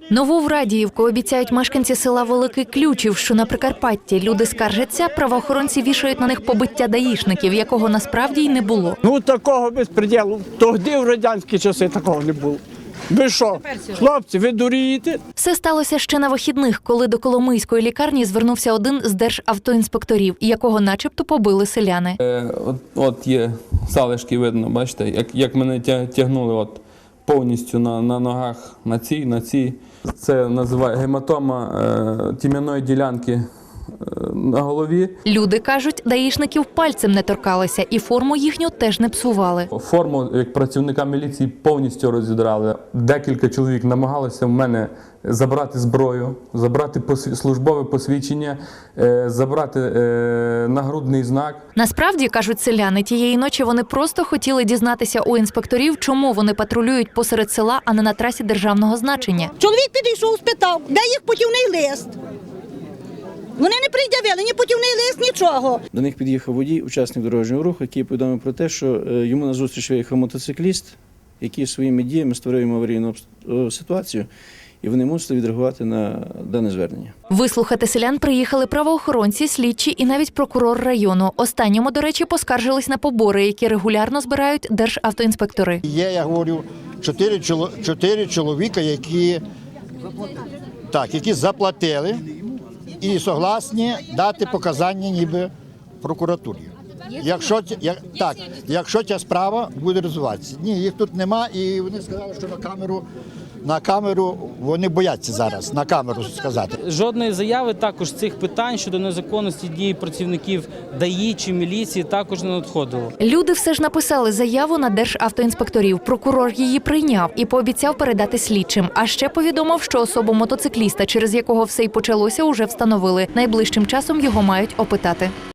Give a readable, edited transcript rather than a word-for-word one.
Нову в Радіївку обіцяють мешканці села Великий Ключів, що на Прикарпатті. Люди скаржаться, правоохоронці вішають на них побиття даїшників, якого насправді й не було. Ну такого безпреділу. Тоді в радянські часи такого не було. Ви що, хлопці, ви дурієте? Все сталося ще на вихідних, коли до Коломийської лікарні звернувся один з державтоінспекторів, якого начебто побили селяни. От є залишки, видно, бачите, як мене тягнули повністю на ногах, на цій. Це називає гематома тім'яної ділянки на голові. Люди кажуть, даїшників пальцем не торкалися і форму їхню теж не псували. Форму, як працівника міліції, повністю розідрали. Декілька чоловік намагалися в мене забрати зброю, забрати службове посвідчення, забрати нагрудний знак. Насправді, кажуть селяни, тієї ночі вони просто хотіли дізнатися у інспекторів, чому вони патрулюють посеред села, а не на трасі державного значення. Чоловік підійшов, спитав, де їх путівний лист. Вони не пред'явили ні путівний лист, нічого. До них під'їхав водій, учасник дорожнього руху, який повідомив про те, що йому назустріч виїхав мотоцикліст, який своїми діями створив йому аварійну ситуацію, і вони мусили відреагувати на дане звернення. Вислухати селян приїхали правоохоронці, слідчі і навіть прокурор району. Останньому, до речі, поскаржились на побори, які регулярно збирають державтоінспектори. Є, я говорю, чотири чоловіка, які заплатили і согласні дати показання ніби прокуратурі. Якщо ця справа буде розвиватися. Ні, їх тут нема, і вони сказали, що на камеру вони бояться зараз, на камеру сказати. Жодної заяви також цих питань щодо незаконності дій працівників ДАІ чи міліції також не надходило. Люди все ж написали заяву на державтоінспекторів. Прокурор її прийняв і пообіцяв передати слідчим. А ще повідомив, що особу мотоцикліста, через якого все й почалося, уже встановили. Найближчим часом його мають опитати.